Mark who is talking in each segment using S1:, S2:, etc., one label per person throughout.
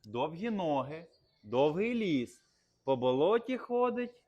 S1: довгі ноги, довгий ліс, по болоті ходить.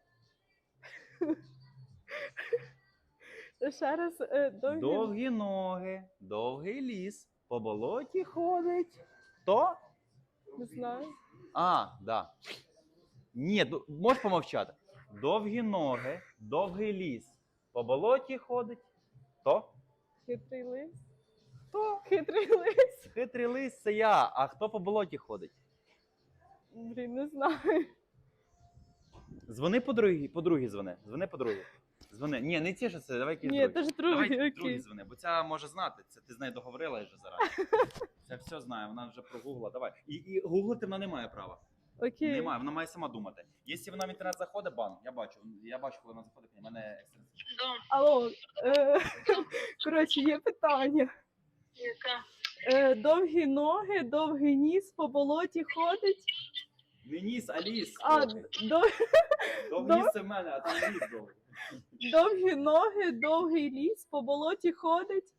S2: Ще раз,
S1: Довгі ноги, довгий ліс, по болоті ходить. Хто?
S2: Не знаю.
S1: Да. Ні, можеш помовчати. Довгі ноги, довгий ліс, по болоті ходить. Хто?
S2: Хитрий лис.
S1: Хто?
S2: Хитрий лис.
S1: Хитрий лис це я, а хто по болоті ходить?
S2: Блін, не знаю.
S1: Дзвони подругі дзвони. Дзвони подругі. Дзвони. Ні, не ті, що це, давай якісь
S2: Ні,
S1: другі.
S2: це ж
S1: Давай
S2: другий,
S1: другі
S2: окей.
S1: дзвони, бо ця може знати. Це ти з нею договорила вже зараз. Це все знає, вона вже прогуглила. Давай. І гуглити вона не має права.
S2: Окей.
S1: Немає, вона має сама думати. Якщо вона в інтернет заходить, бан, я бачу, коли вона заходить, в мене екстренс.
S2: Алло, коротше, є питання.
S3: Яка?
S2: Довгі ноги, довгий ніс, по болоті ходить.
S1: Не ніс, а ліс.
S2: А,
S1: Довгий ніс це в мене, а там ліс довгий.
S2: довгі ноги, довгий ліс, по болоті ходить.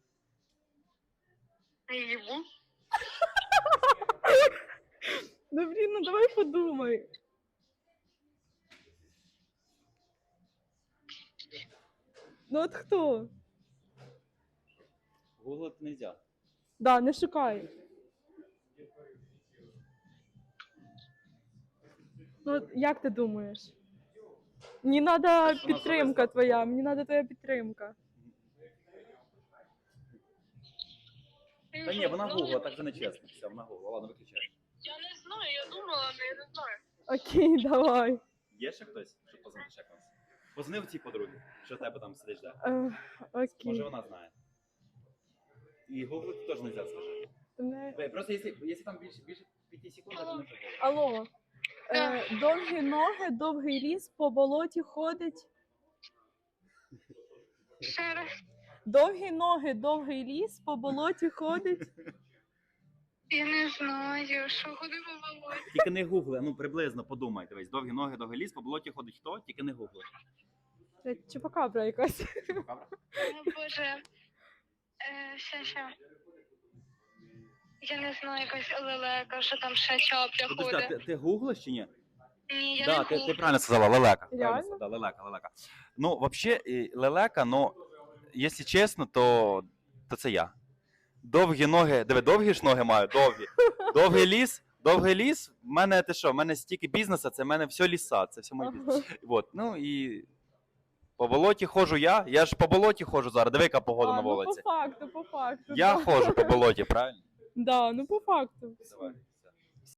S3: Їбу.
S2: Ну, блін, ну давай подумай. Ну от хто?
S1: Гуглити не можна.
S2: Да, не шукай. Ну, от як ти думаєш? Мені треба
S1: Що вона
S2: підтримка
S1: зависла?
S2: твоя, мені треба твоя підтримка.
S1: Та ні, вона гугла, так же не чесно. Все, вона гугла, ладно, виключай.
S3: Я не знаю, я думала, але я не знаю.
S2: Окей, давай.
S1: Є ще хтось, щоб позвонити ще комусь? Позвони в цій подругі, що в тебе там сидиш, да? Може
S2: Окей.
S1: вона знає. І гуглити теж не можна, скажи.
S2: Мене-
S1: Просто якщо там більше 5 секунд, то не прикольно.
S2: Алло. Довгі ноги, довгий ліс, по болоті ходить.
S3: Ще раз.
S2: Довгі ноги, довгий ліс, по болоті ходить.
S3: Я не знаю, що куди було.
S1: Тільки не гугли, ну приблизно подумай, дивись, довгі ноги, довгий ліс, по болоті ходить хто, тільки не гугли.
S2: Це чупакабра якась.
S1: Чупакабра?
S3: О, Боже. Ще. Я не знаю, якась лелека, що там ще чапля
S1: Подожди, а
S3: ходить.
S1: ти гуглиш чи ні?
S3: Ні, я
S1: Да,
S3: не
S1: ти
S3: гуглю.
S1: правильно сказала, лелека.
S2: Реально?
S1: Правильно сказала, да, лелека. Ну, взагалі, лелека, ну, якщо чесно, то це я. Довгі ноги, довгі ж ноги маю, довгі. Довгий ліс, в мене ти що, в мене стільки бізнесу, це в мене все ліса, це все мій бізнес. Вот, ну і по болоті ходжу я ж по болоті ходжу зараз, диви, яка погода на
S2: Ну,
S1: вулиці.
S2: по факту.
S1: Я
S2: да.
S1: ходжу по болоті, правильно?
S2: Да, ну по факту.
S1: Давай.